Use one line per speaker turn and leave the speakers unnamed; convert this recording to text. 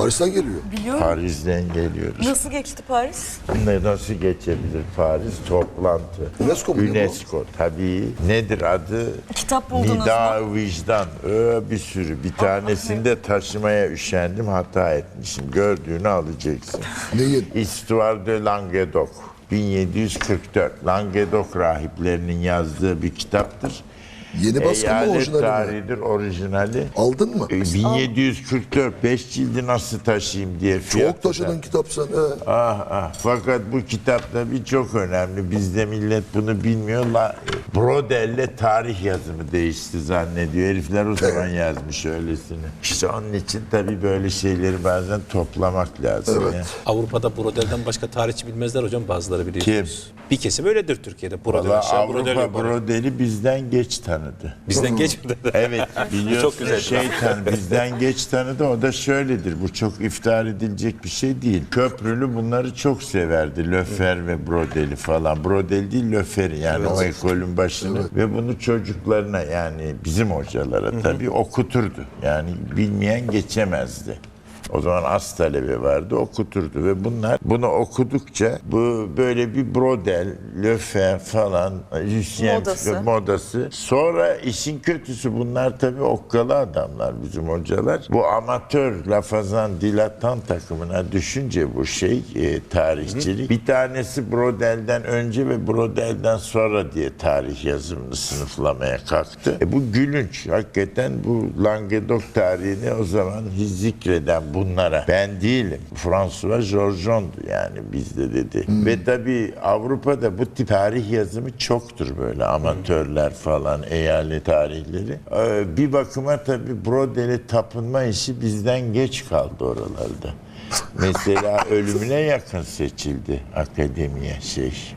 Paris'ten geliyor.
Biliyorum.
Paris'ten geliyoruz.
Nasıl geçti Paris?
Nasıl geçebilir Paris? Toplantı.
UNESCO mu ne bu?
UNESCO tabii. Nedir adı?
Kitap buldunuz
Nida Vicdan. Bir sürü. Bir tanesini de taşımaya üşendim. Hata etmişim. Gördüğünü alacaksın.
Neyin?
Histoire de Languedoc. 1744. Languedoc rahiplerinin yazdığı bir kitaptır.
Yeni baskı mı
Eyalet
orijinali mi?
tarihidir orijinali.
Aldın mı?
1744 5 cildi nasıl taşıyayım diye fiyatı
Çok taşıdın kitap sen.
Fakat bu kitap tabii çok önemli. Bizde millet bunu bilmiyor. Brodel'le tarih yazımı değişti zannediyor. Herifler o zaman yazmış öylesini. İşte onun için tabii böyle şeyleri bazen toplamak lazım.
Evet.
Ya.
Avrupa'da Brodel'den başka tarihçi bilmezler hocam, bazıları biliyorsunuz. Bir kesim öyledir Türkiye'de. Brodel
Valla
aşağı, Brodel
Avrupa
yukarı.
Brodel'i bizden geç tanıdı.
Bizden geçmedi.
Evet, biliyorsun
Çok güzel.
şeytan bizden geç tanıdı. O da şöyledir. Bu çok iftihar edilecek bir şey değil. Köprülü bunları çok severdi. Löfer ve Brodel'i falan. Brodel değil Löfer'i yani o ekolün başını. Ve bunu çocuklarına yani bizim hocalara tabii okuturdu. Yani bilmeyen geçemezdi. O zaman az talebe vardı, okuturdu ve bunlar bunu okudukça bu böyle bir Brodel, Löfer falan, Lucien modası. Sonra işin kötüsü bunlar tabii okkalı adamlar bizim hocalar. Bu amatör lafazan dilatan takımına düşünce bu tarihçilik. Bir tanesi Brodel'den önce ve Brodel'den sonra diye tarih yazımını sınıflamaya kalktı. Bu gülünç. Hakikaten bu Languedoc tarihini o zaman zikreden bunlara. Ben değilim. François Georgeson'du yani bizde dedi. Ve tabii Avrupa'da bu tip tarih yazımı çoktur böyle amatörler falan, eyalet tarihleri. Bir bakıma tabii Brodel'e tapınma işi bizden geç kaldı oralarda. Mesela ölümüne yakın seçildi akademiye